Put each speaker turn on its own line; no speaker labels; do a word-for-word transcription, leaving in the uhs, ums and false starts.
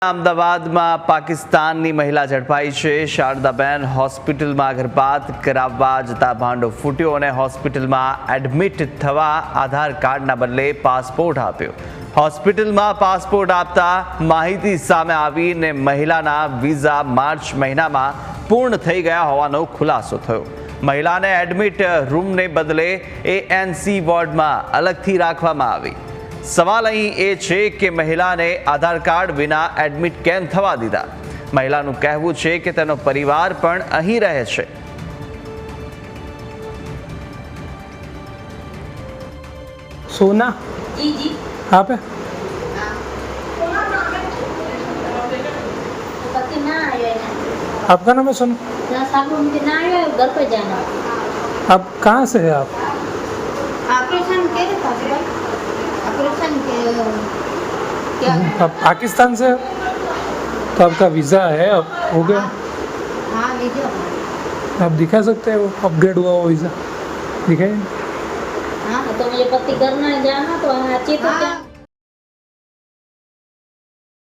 અમદાવાદમાં પાકિસ્તાનની મહિલા ઝડપાઈ છે। શારદાબેન હોસ્પિટલમાં ગર્ભપાત કરાવવા જતા ભાંડો ફૂટ્યો અને હોસ્પિટલમાં એડમિટ થવા આધાર કાર્ડના બદલે પાસપોર્ટ આપ્યો। હોસ્પિટલમાં પાસપોર્ટ આપતા માહિતી સામે આવીને મહિલાના વિઝા માર્ચ મહિનામાં પૂર્ણ થઈ ગયા હોવાનો ખુલાસો થયો। મહિલાને એડમિટ રૂમને બદલે એએનસી વોર્ડમાં અલગથી રાખવામાં આવી। સવાલ અહીં એ છે કે મહિલાને આધાર કાર્ડ વિના એડમિટ કેમ થવા દીધા। મહિલાનું કહેવું છે કે તેનો પરિવાર પણ અહીં રહે છે।
सोना
जी जी
आप है
पति ना आया है
आपका नाम है सोना?
ना साहब मुझे ना आया है, घर पे जाना।
आप कहाँ से है आप?
ऑपरेशन के था ऑपरेशन के क्या
आप पाकिस्तान से हो? तो आपका वीज़ा है अब हो गया?
हाँ वीडियो
आप दिखा सकते हो अपग्रेड हुआ वो वीज़ा दिखाइए।
हाँ तो मुझे पति करना है जाना तो अच्छी तो क्या